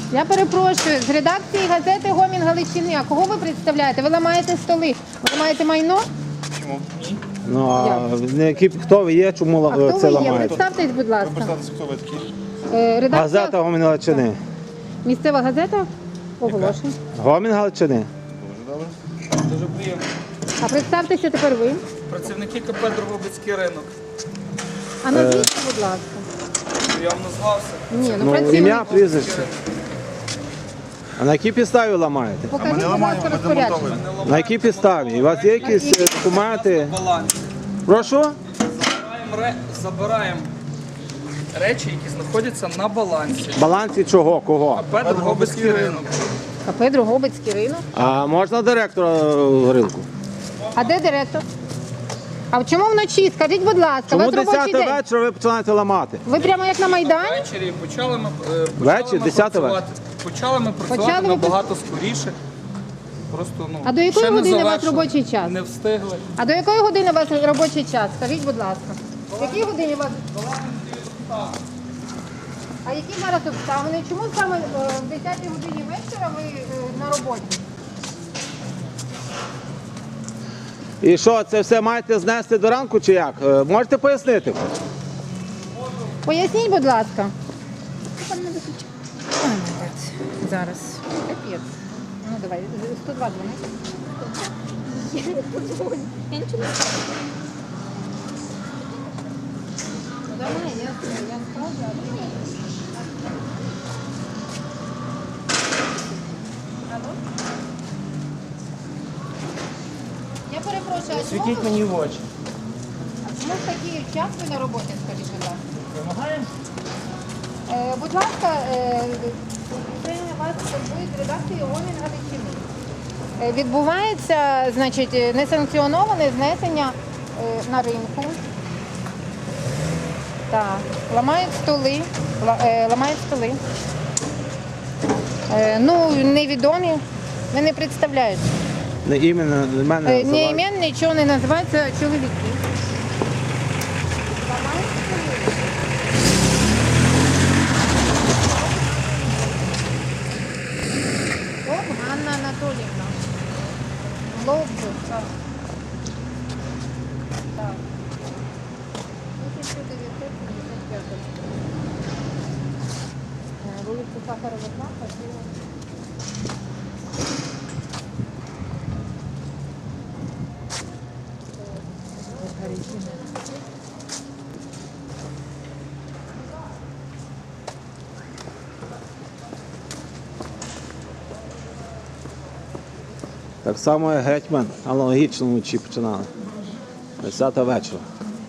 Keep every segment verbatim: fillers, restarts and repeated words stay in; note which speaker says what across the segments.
Speaker 1: Я перепрошую, з редакції газети «Гомін Галичини». А кого ви представляєте? Ви ламаєте столи. Ви ламаєте майно?
Speaker 2: Чому?
Speaker 3: Ну, а не які, хто ви є, чому
Speaker 1: А хто
Speaker 3: це
Speaker 1: ви є?
Speaker 3: ламаєте?
Speaker 1: Представтесь, будь
Speaker 2: Ви
Speaker 1: ласка.
Speaker 2: представтеся, хто ви такі?
Speaker 1: Е, Редакція...
Speaker 3: Газета Гомін Галичини.
Speaker 1: Місцева газета? Оголошень.
Speaker 3: Гомін Галичини.
Speaker 2: Дуже добре.
Speaker 4: Дуже приємно.
Speaker 1: А представтеся тепер ви.
Speaker 4: Працівники КП «Дрогобицький ринок».
Speaker 1: А назвіться, будь ласка.
Speaker 4: Я вам назвався.
Speaker 1: Ні, ну,
Speaker 3: Ну,
Speaker 1: працівник.
Speaker 3: ім'я, прізвище. А на якій підставі ламаєте?
Speaker 1: Покажіть,
Speaker 2: Ми не
Speaker 1: будь
Speaker 2: ламаємо,
Speaker 1: ласка,
Speaker 2: ми
Speaker 1: розпорядження.
Speaker 2: демонтовуємо.
Speaker 3: На якій підставі? У вас є якісь е, документи?
Speaker 4: Баланс.
Speaker 3: Прошу?
Speaker 4: Забираємо, ре... Забираємо речі, які знаходяться на балансі.
Speaker 3: Балансі чого? Кого?
Speaker 4: КП «Дрогобицький ринок».
Speaker 1: КП «Дрогобицький ринок».
Speaker 3: А можна директора е, ринку?
Speaker 1: А де директор? А чому вночі? Скажіть, будь ласка, у
Speaker 3: Чому
Speaker 1: вас робочий
Speaker 3: десята
Speaker 1: день.
Speaker 3: вечора ви починаєте ламати?
Speaker 1: Ви прямо як на Майдані?
Speaker 4: Ввечері почали ми, е, почали
Speaker 3: Вечір,
Speaker 4: ми
Speaker 3: десята
Speaker 4: працювати. Почали ми працювати
Speaker 1: Почали ви
Speaker 4: набагато скоріше. Просто, ну,
Speaker 1: А до якої
Speaker 4: ще не
Speaker 1: години у вас
Speaker 4: завершили,
Speaker 1: робочий час?
Speaker 4: Не встигли.
Speaker 1: А до якої години у вас робочий час? Скажіть, будь ласка. В якій годині у вас? А які зараз обставини? Чому саме е, в десятій годині вечора ви е, на роботі?
Speaker 3: І що, це все маєте знести до ранку чи як? Е, Можете пояснити?
Speaker 1: Поясніть, будь ласка. Ой, молодець. Зараз. Капець. Ну давай, сто два дзвони.
Speaker 5: Я не подзвоню. Я нічого не знаю.
Speaker 1: Ну давай, я, я скажу, а ти ні. Алло? Я перепрошую, а чому
Speaker 6: Світіть
Speaker 1: ви-
Speaker 6: мені в очі.
Speaker 1: а чому в такий час ви на роботі, скажіть, будь ласка?
Speaker 6: Вимагаємо?
Speaker 1: Е, будь ласка, е, це вас турбує з редакції «Гомін Галичини». Е, Відбувається, значить, е, несанкціоноване знесення е, на ринку. Так, ламають столи, ла- е, ламають столи. Е, ну, невідомі, ви не представляють.
Speaker 3: Не іменно не мене
Speaker 1: Е, ні
Speaker 3: називають.
Speaker 1: імен, нічого не називається чоловіки. Ламають столи. Оп, Ганна Анатоліївна. Ловко, так. Так. тисяча дев'ятсот сімдесят п'ять. Е, Вулиця Сахарова, два, квартира.
Speaker 3: Так само як гетьман, аналогічно вночі починали. десята вечора.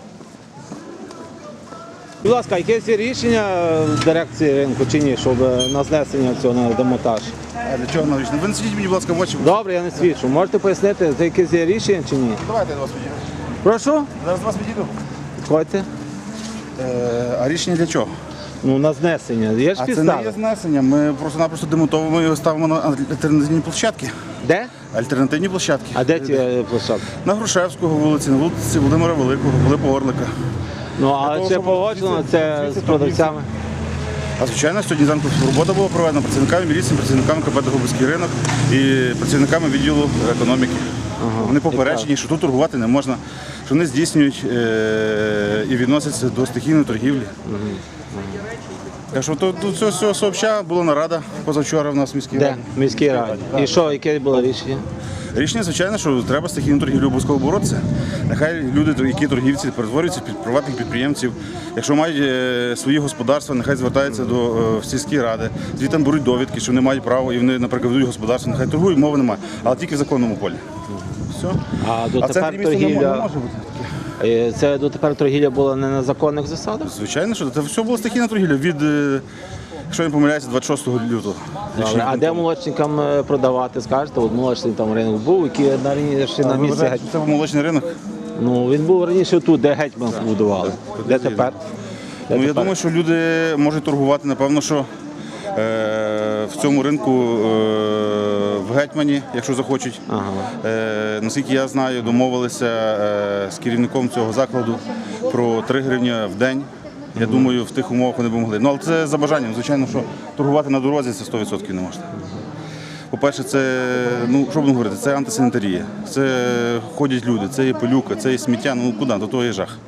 Speaker 3: Будь ласка, якесь є рішення дирекції ринку чи ні, щоб на знесення цього на демонтаж?
Speaker 2: А для чого навіщо? Ви не сидіть мені, будь ласка, в очі.
Speaker 3: Добре, я не свідчу. Можете пояснити, це якесь є рішення чи ні?
Speaker 2: Давайте я до вас підійду.
Speaker 3: Прошу?
Speaker 2: Зараз до вас підійду.
Speaker 3: Підходьте.
Speaker 2: Е, а рішення для чого?
Speaker 3: Ну, на знесення. Є ж
Speaker 2: А це не
Speaker 3: підстави.
Speaker 2: є знесення. Ми просто-напросто демонтовуємо його, ставимо на альтернативні площадки.
Speaker 3: Де?
Speaker 2: Альтернативні площадки.
Speaker 3: А де ці е, площадки?
Speaker 2: На Грушевського вулиці, на вулиці Володимира Великого, Пилипа Орлика.
Speaker 3: Ну,
Speaker 2: того,
Speaker 3: а чи
Speaker 2: щоб
Speaker 3: погоджено
Speaker 2: звідси-
Speaker 3: це
Speaker 2: звідси
Speaker 3: з продавцями?
Speaker 2: А звичайно, сьогодні зранку робота була проведена працівниками міліції, працівниками КП «Дрогобицький ринок і працівниками відділу економіки. Вони попереджені, що тут торгувати не можна, що вони здійснюють е- і відносяться до стихійної торгівлі. Так що тут до цього всього сообща була нарада позавчора в нас в міській
Speaker 3: Де?
Speaker 2: раді.
Speaker 3: В міській раді. І що, яке було рішення?
Speaker 2: Рішення, звичайно, що треба стихійну торгівлю обов'язково боротися. Нехай люди, які торгівці, перетворюються під приватних підприємців. Якщо мають е, свої господарства, нехай звертаються до е, в сільські ради. Звідти беруть довідки, що вони мають право, і вони, наприклад, ведуть господарство. Нехай торгують, мови немає, але тільки в законному полі. Все.
Speaker 3: А
Speaker 2: А в
Speaker 3: дотепер
Speaker 2: центрі міста не може- не
Speaker 3: торгівля,
Speaker 2: може бути таке.
Speaker 3: е, це дотепер торгівля була не на законних засадах?
Speaker 2: Звичайно, що це все було стихійна торгівля від, е, якщо я не помиляюся, двадцять шостого лютого.
Speaker 3: Добре. А де молочникам е, продавати, скажете? От молочний там ринок був, який на раніше на
Speaker 2: Ви
Speaker 3: місці
Speaker 2: вважаєте,
Speaker 3: геть.
Speaker 2: що це був молочний ринок?
Speaker 3: Ну він був раніше тут, де гетьман будували. Де тепер? Де
Speaker 2: Ну, я
Speaker 3: тепер?
Speaker 2: думаю, що люди можуть торгувати, напевно, що е, в цьому ринку е, в Гетьмані, якщо захочуть.
Speaker 3: Ага.
Speaker 2: Е, наскільки я знаю, домовилися е, з керівником цього закладу про три гривні в день Я думаю, в тих умовах вони б могли. Ну, але це за бажанням. Звичайно, що торгувати на дорозі це сто відсотків не можна. По-перше, це, ну, що будемо говорити, це антисанітарія. Це ходять люди, це є пилюка, це є сміття, ну куди, до того є жах.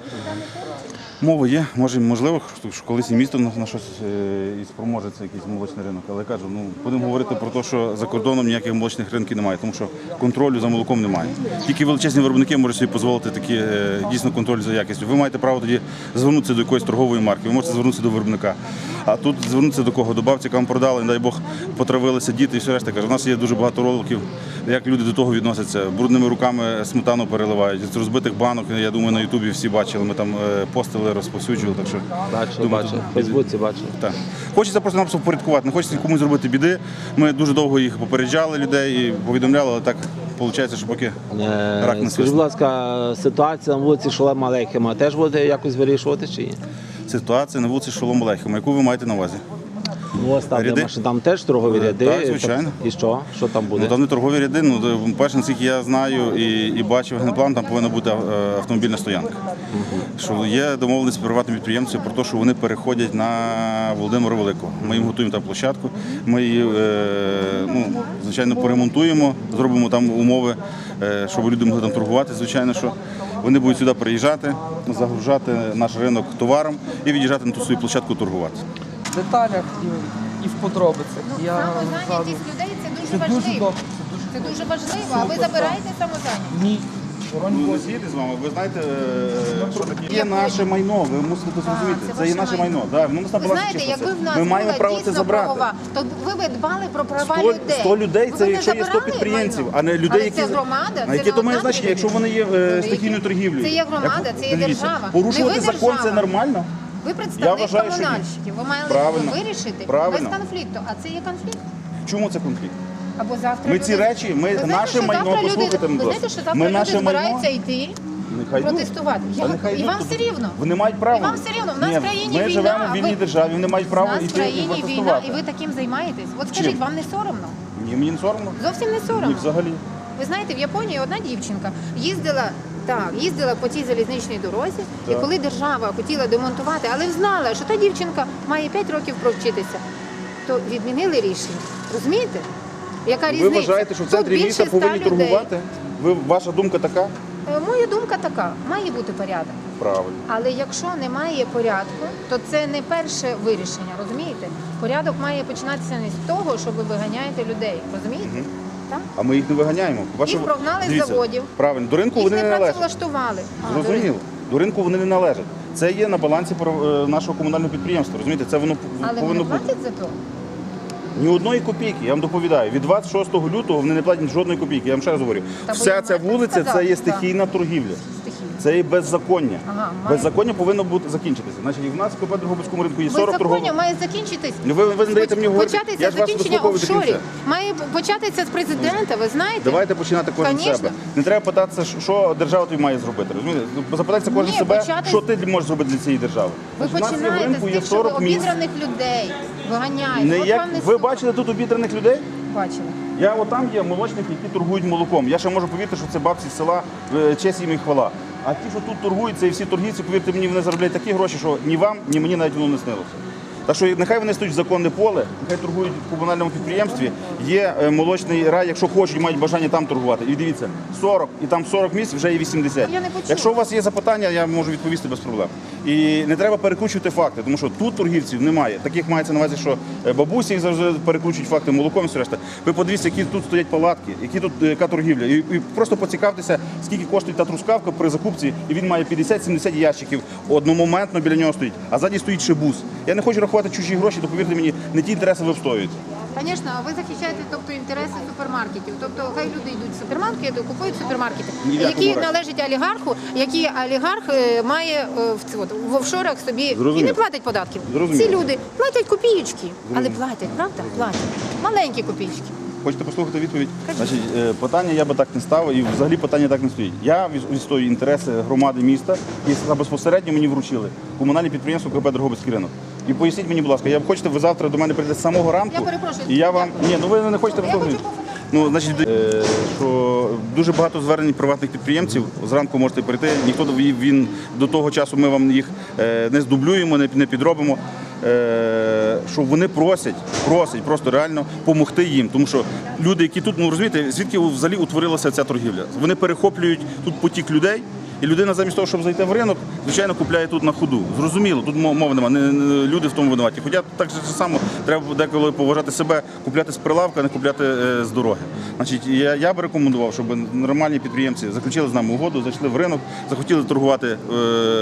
Speaker 2: Мова є, може, можливо, що колись і місто на, на щось е, і спроможеться якийсь молочний ринок. Але кажу, ну будемо говорити про те, що за кордоном ніяких молочних ринків немає, тому що контролю за молоком немає. Тільки величезні виробники можуть собі дозволити такі е, дійсно контроль за якістю. Ви маєте право тоді звернутися до якоїсь торгової марки, ви можете звернутися до виробника. А тут звернутися до кого? До бабці, яка вам продала, не дай Бог, потравилися діти і все решта. Кажу, у нас є дуже багато роликів, як люди до того відносяться. Брудними руками сметану переливають. З розбитих банок, я думаю, на Ютубі всі бачили, ми там е, постили, розповсюджували. Так що,
Speaker 3: Бачили,
Speaker 2: думаю,
Speaker 3: бачили.
Speaker 2: тут-
Speaker 3: В Фейсбуці бачили.
Speaker 2: Так. Хочеться просто нам впорядкувати, не хочеться комусь зробити біди. Ми дуже довго їх попереджали людей і повідомляли, але так виходить, що поки
Speaker 3: Е,
Speaker 2: рак не
Speaker 3: Скажіть,
Speaker 2: свист.
Speaker 3: будь ласка, ситуація на вулиці Шолема Алейхема теж будете якось вирішувати чи ні?
Speaker 2: Ситуація на вулиці Шолом Алейхема, яку ви маєте на увазі?
Speaker 3: Ну, ось там, де
Speaker 2: Ряди?
Speaker 3: машини, там теж торгові
Speaker 2: Е,
Speaker 3: ряди.
Speaker 2: так, звичайно.
Speaker 3: І що? Що там буде?
Speaker 2: Ну, там не торгові ряди, ну, перше, наскільки я знаю і, і бачив генплан, там повинна бути е, автомобільна стоянка. Що є домовленість з приватним підприємцем про те, що вони переходять на Володимира Великого. Ми їм готуємо там площадку, ми її, е, ну, звичайно, поремонтуємо, зробимо там умови, е, щоб люди могли там торгувати. Звичайно, що вони будуть сюди приїжджати, загружати наш ринок товаром і від'їжджати на ту свою площадку торгувати.
Speaker 4: В деталях і, і в подробицях. Я
Speaker 1: Самозайнятість людей це дуже
Speaker 4: Це дуже
Speaker 1: важливо.
Speaker 4: добре,
Speaker 1: Це дуже важливо, а ви забираєте самозайнятість.
Speaker 4: ні.
Speaker 2: Ну, не сіяти з вами, ви знаєте, е, що таке є наше майно, ви мусите це зрозуміти.
Speaker 1: це
Speaker 2: Це є
Speaker 1: ваше
Speaker 2: наше
Speaker 1: майно.
Speaker 2: майно. Да, воно у нас на
Speaker 1: Ви
Speaker 2: балансі
Speaker 1: знаєте,
Speaker 2: чисто
Speaker 1: якби в
Speaker 2: це.
Speaker 1: нас
Speaker 2: Ми маємо
Speaker 1: була
Speaker 2: право це
Speaker 1: дійсно
Speaker 2: забрати.
Speaker 1: правова, то ви б дбали про права
Speaker 2: сто,
Speaker 1: людей.
Speaker 2: сто людей,
Speaker 1: Ви
Speaker 2: це
Speaker 1: б не
Speaker 2: якщо є сто
Speaker 1: забирали
Speaker 2: підприємців,
Speaker 1: майно.
Speaker 2: а не людей,
Speaker 1: Але
Speaker 2: які...
Speaker 1: це громада,
Speaker 2: А
Speaker 1: це
Speaker 2: яке то має
Speaker 1: одна
Speaker 2: значення,
Speaker 1: людина.
Speaker 2: якщо вони є е, стихійною торгівлею?
Speaker 1: Це є громада,
Speaker 2: Як-
Speaker 1: це є
Speaker 2: дивіться,
Speaker 1: держава.
Speaker 2: Порушувати
Speaker 1: Не ви
Speaker 2: закон
Speaker 1: держава.
Speaker 2: це нормально?
Speaker 1: Ви
Speaker 2: Я
Speaker 1: представник
Speaker 2: вважаю, що ні.
Speaker 1: комунальщиків, ви мали
Speaker 2: Правильно.
Speaker 1: вирішити
Speaker 2: Правильно.
Speaker 1: без конфлікту, а це є конфлікт.
Speaker 2: Чому це конфлікт?
Speaker 1: Або завтра
Speaker 2: Ми
Speaker 1: люди-
Speaker 2: ці речі, ми-
Speaker 1: Ви знаєте,
Speaker 2: наше
Speaker 1: що
Speaker 2: майно,
Speaker 1: завтра люди-
Speaker 2: послухайте,
Speaker 1: Ви
Speaker 2: будь
Speaker 1: знаєте,
Speaker 2: ласка.
Speaker 1: що завтра
Speaker 2: Ми
Speaker 1: люди
Speaker 2: наше майно-
Speaker 1: збираються йти
Speaker 2: Нехай
Speaker 1: протестувати.
Speaker 2: йдуть.
Speaker 1: Я-
Speaker 2: Та нехай
Speaker 1: і
Speaker 2: йдуть.
Speaker 1: вам все рівно.
Speaker 2: Вони мають право.
Speaker 1: І вам все рівно. В нас
Speaker 2: Ні,
Speaker 1: в країні
Speaker 2: ми
Speaker 1: війна,
Speaker 2: живемо
Speaker 1: а
Speaker 2: в вільній
Speaker 1: ви-
Speaker 2: державі, вони мають
Speaker 1: У
Speaker 2: право
Speaker 1: нас в
Speaker 2: йти і
Speaker 1: країні війна,
Speaker 2: протестувати.
Speaker 1: і ви таким займаєтесь. От скажіть, вам не соромно?
Speaker 2: Ні, мені не соромно.
Speaker 1: Зовсім не
Speaker 2: Ні,
Speaker 1: соромно.
Speaker 2: взагалі.
Speaker 1: Ви знаєте, в Японії одна дівчинка їздила, так, їздила по тій залізничній дорозі, і
Speaker 2: Так.
Speaker 1: коли держава хотіла демонтувати, але знала, що та дівчинка має п'ять років провчитися, то відмінили рішення. Розумієте? Яка
Speaker 2: Ви
Speaker 1: різниця?
Speaker 2: вважаєте, що в
Speaker 1: Тут
Speaker 2: центрі
Speaker 1: більше
Speaker 2: міста
Speaker 1: ста
Speaker 2: повинні
Speaker 1: людей.
Speaker 2: торгувати? Ви, ваша думка така?
Speaker 1: Е, Моя думка така, має бути порядок.
Speaker 2: Правильно.
Speaker 1: Але якщо немає порядку, то це не перше вирішення, розумієте? Порядок має починатися не з того, що ви виганяєте людей, розумієте? Так?
Speaker 2: А ми їх не виганяємо. Ваша-
Speaker 1: Їх прогнали з
Speaker 2: Дивіться,
Speaker 1: заводів.
Speaker 2: Правильно, до ринку
Speaker 1: Їх
Speaker 2: вони
Speaker 1: не
Speaker 2: не належать.
Speaker 1: працевлаштували. А, до
Speaker 2: Зрозуміло.
Speaker 1: ринку.
Speaker 2: До ринку вони не належать. Це є на балансі про- е, нашого комунального підприємства. Розумієте, це воно
Speaker 1: Але вони
Speaker 2: повинно
Speaker 1: не
Speaker 2: бути.
Speaker 1: платять за то.
Speaker 2: Ні одної копійки, я вам доповідаю. Від двадцять шостого лютого вони не платять жодної копійки. Я вам ще раз говорю.
Speaker 1: Та ви
Speaker 2: Вся
Speaker 1: їм
Speaker 2: ця
Speaker 1: маєте
Speaker 2: вулиця це
Speaker 1: сказати,
Speaker 2: є
Speaker 1: так.
Speaker 2: стихійна торгівля.
Speaker 1: Стихійно.
Speaker 2: Це є беззаконня.
Speaker 1: Ага, має-
Speaker 2: Беззаконня повинно бути закінчитися. Значить, і в нас в КП Дрогобицькому ринку є сорок
Speaker 1: Беззаконня
Speaker 2: торгових.
Speaker 1: має закінчитись.
Speaker 2: Ну, ви- ви не даєте мені говорити.
Speaker 1: Початися
Speaker 2: Я ж вас
Speaker 1: закінчення
Speaker 2: вислуховую до
Speaker 1: офшорів.
Speaker 2: кінця.
Speaker 1: Має початися з президента, ви знаєте?
Speaker 2: Давайте починати кожен з
Speaker 1: Конечно.
Speaker 2: себе. Не треба питатися, що- що держава тобі має зробити. Розумієте? Запитайтеся кожен
Speaker 1: Ні,
Speaker 2: себе,
Speaker 1: почати-
Speaker 2: що ти можеш зробити для цієї держави.
Speaker 1: Ви
Speaker 2: Значить, у нас є в
Speaker 1: починаєте
Speaker 2: ринку
Speaker 1: з
Speaker 2: є
Speaker 1: тих, що ви
Speaker 2: сорок місць.
Speaker 1: обідраних людей виганяєте.
Speaker 2: Не
Speaker 1: От
Speaker 2: як...
Speaker 1: вам не
Speaker 2: Ви
Speaker 1: соромно.
Speaker 2: бачили тут обідраних людей?
Speaker 1: Бачили.
Speaker 2: Я отам є молочники, які торгують молоком. Я ще можу повірити, що це бабці з села, е, честь їм і хвала. А ті, що тут торгують, це і всі торгівці, повірте мені, вони заробляють такі гроші, що ні вам, ні мені навіть воно не снилося. Так що нехай вони стоять в законне поле, нехай торгують в комунальному підприємстві. Є е, молочний рай, якщо хочуть, мають бажання там торгувати. І дивіться, сорок, і там сорок місць, вже є вісімдесят.
Speaker 1: Я не почула.
Speaker 2: Якщо у вас є запитання, я можу відповісти без проблем. І не треба перекручувати факти, тому що тут торгівців немає. Таких мається на увазі, що е, бабусі їх завжди перекручують факти молоком і все решта. Ви подивіться, які тут стоять палатки, які тут е, яка торгівля. І, і просто поцікавтеся, скільки коштує та трускавка при закупці, і він має п'ятдесят-сімдесят ящиків. Одномоментно біля нього стоїть, а ззаді стоїть ще бус. Я не хочу рахувати чужі гроші, то повірте мені, не ті інтереси ви обстоюєте.
Speaker 1: Звісно, ви захищаєте тобто, інтереси супермаркетів. Тобто хай люди йдуть в супермаркети, купують супермаркети,
Speaker 2: Ні в якому
Speaker 1: які
Speaker 2: разі.
Speaker 1: належать олігарху, які олігарх е, має е, в, ці- от, в офшорах собі і
Speaker 2: Зрозумів.
Speaker 1: не платить податків.
Speaker 2: Зрозумів.
Speaker 1: Ці люди платять копієчки, але платять, правда? Платять. Маленькі копійки.
Speaker 2: Хочете послухати відповідь? Значить, е, питання я би так не ставив, і взагалі питання так не стоїть. Я від- відстоюю інтереси громади міста, і безпосередньо мені вручили комунальне підприємство КП Дрогобицький ринок. І поясніть мені, будь ласка, я б хочете, ви завтра до мене прийдете з самого ранку.
Speaker 1: Я перепрошую.
Speaker 2: І я вам. Ні, ну ви не хочете
Speaker 1: Я хочу
Speaker 2: послухати. Ну, значить, е, що дуже багато звернень приватних підприємців. Зранку можете прийти. Ніхто він до того часу ми вам їх е, не здублюємо, не, не підробимо. Е, що вони просять, просять просто реально допомогти їм. Тому що люди, які тут, ну розумієте, звідки взагалі утворилася ця торгівля? Вони перехоплюють тут потік людей. І людина замість того, щоб зайти в ринок, звичайно, купляє тут на ходу. Зрозуміло, тут мови немає, не, не, люди в тому винуваті. Хоча так же само треба деколи поважати себе, купляти з прилавка, а не купляти е, з дороги. Значить, я, я би рекомендував, щоб нормальні підприємці заключили з нами угоду, зайшли в ринок, захотіли торгувати е,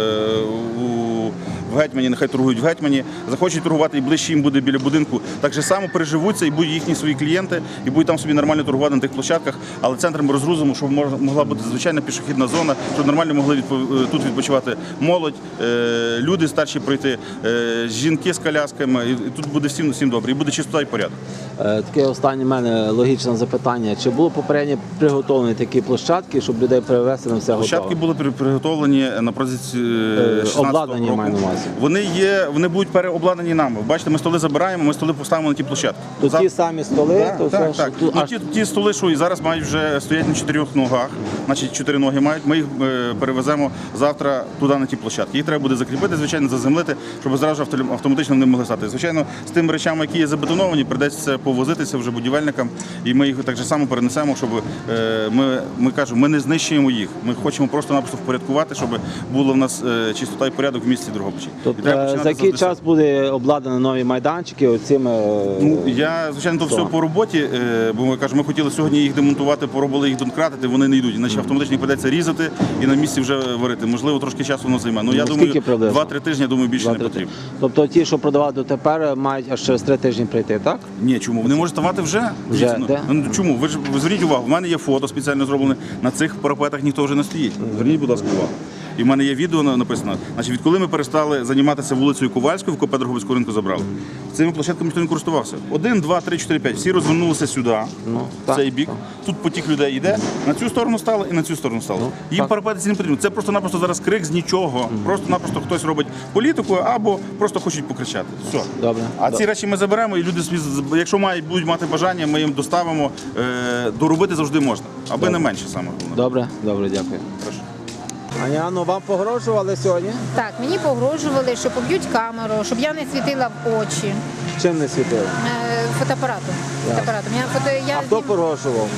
Speaker 2: у в Гетьмані, нехай торгують в Гетьмані, захочуть торгувати і ближче їм буде біля будинку, так же само переживуться і будуть їхні свої клієнти, і будуть там собі нормально торгувати на тих площадках, але центром розгрузимо, щоб могла бути звичайна пішохідна зона, щоб нормально могли відпо- тут відпочивати молодь, е, люди старші пройти, е, жінки з колясками, і тут буде всім, всім добре, і буде чистота і порядок.
Speaker 3: Е, Таке останнє в мене логічне запитання. Чи було попередньо приготовлені такі площадки, щоб людей привезти на все
Speaker 2: Площадки
Speaker 3: готове?
Speaker 2: були при- приготовлені на протязі е, шістнадцятого
Speaker 3: обладнані,
Speaker 2: року.
Speaker 3: маю на увазі.
Speaker 2: Вони є, вони будуть переобладнані нами. Бачите, ми столи забираємо, ми столи поставимо на ті площадки.
Speaker 3: Тут
Speaker 2: За-
Speaker 3: ті самі столи,
Speaker 2: Так,
Speaker 3: то
Speaker 2: так,
Speaker 3: все,
Speaker 2: так.
Speaker 3: що тут
Speaker 2: Ну,
Speaker 3: аж
Speaker 2: ті, ті столи, що і зараз мають вже стоять на чотирьох ногах, значить чотири ноги мають, ми їх е, перевеземо завтра туди на ті площадки. Їх треба буде закріпити, звичайно, заземлити, щоб зразу авто- автоматично вони могли стати. Звичайно, з тими речами, які є забетоновані, придеться повозитися вже будівельникам, і ми їх так же само перенесемо, щоб е, ми, ми кажемо, ми не знищуємо їх. Ми хочемо просто-напросто впорядкувати, щоб було в нас е, чистота і порядок в місті Дрогобичі. І
Speaker 3: Тобто,
Speaker 2: треба
Speaker 3: е,
Speaker 2: починати
Speaker 3: за який
Speaker 2: з десятого.
Speaker 3: час буде обладнані нові майданчики оцими? е,
Speaker 2: Ну, я, звичайно, то все по роботі, е, бо ми кажемо, ми хотіли сьогодні їх демонтувати, поробили їх донкратити, вони не йдуть. Іначе автоматично їх придеться різати і на місці вже варити. Можливо, трошки часу воно займе. Ну, я
Speaker 3: Ну,
Speaker 2: думаю,
Speaker 3: скільки приблизно?
Speaker 2: два-три тижні, я думаю, більше не
Speaker 3: Два-три
Speaker 2: потрібно.
Speaker 3: тижні. Тобто ті, що продавали дотепер, мають аж через три тижні прийти, так?
Speaker 2: Ні, чому? Вони можуть ставати вже. Дивіться, ну,
Speaker 3: де?
Speaker 2: ну, чому? Ви ж ви зверніть увагу, в мене є фото спеціально зроблене, на цих парапетах ніхто вже не стоїть. Зверніть, будь ласка, увагу. І в мене є відео на- написано. Значить, відколи ми перестали займатися вулицею Ковальською, в КП Дрогобицького ринку забрали. Цими площадками ніхто не користувався. Один, два, три, чотири, п'ять. Всі розвернулися сюди,
Speaker 3: Ну,
Speaker 2: в
Speaker 3: так,
Speaker 2: цей бік.
Speaker 3: так.
Speaker 2: Тут потік людей йде, на цю сторону стало і на цю сторону стало. Їм
Speaker 3: так.
Speaker 2: парапети ці не потрібно. Це просто-напросто зараз крик з нічого. Просто-напросто хтось робить політику або просто хочуть покричати. Все.
Speaker 3: Добре.
Speaker 2: А ці речі ми заберемо, і люди, собі з- якщо мають, будуть мати бажання, ми їм доставимо. Е, доробити завжди можна, аби не менше саме головне.
Speaker 3: Добре, добре, дякую.
Speaker 2: Прошу.
Speaker 3: Аня, ну вам погрожували сьогодні?
Speaker 1: Так, мені погрожували, що поб'ють камеру, щоб я не світила в очі
Speaker 3: Чим не світили?
Speaker 1: е, фотоапаратом. фотоапаратом. Я, фото, я
Speaker 3: А хто
Speaker 1: знім-
Speaker 3: погрожував?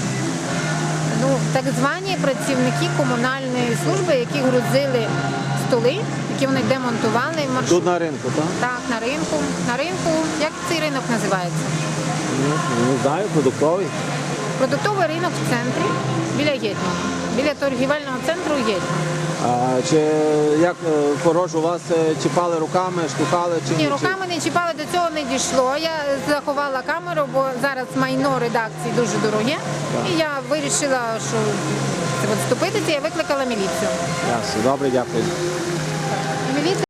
Speaker 1: ну, так звані працівники комунальної служби, які грузили столи, які вони демонтували в маршрут.
Speaker 3: Тут на ринку, так?
Speaker 1: Так, на ринку. На ринку, як цей ринок називається?
Speaker 3: Ну, не знаю, продуктовий.
Speaker 1: Продуктовий ринок в центрі, біля Гетьмана. Біля торгівельного центру Гетьман.
Speaker 3: А, чи як е, погрожу вас е, чіпали руками, штукали чи
Speaker 1: Ні,
Speaker 3: Чи-
Speaker 1: руками не чіпали, до цього не дійшло. Я заховала камеру, бо зараз майно редакції дуже дороге. І я вирішила, що відступитися, я викликала міліцію.
Speaker 3: Ясно, добре, дякую.
Speaker 1: Міліція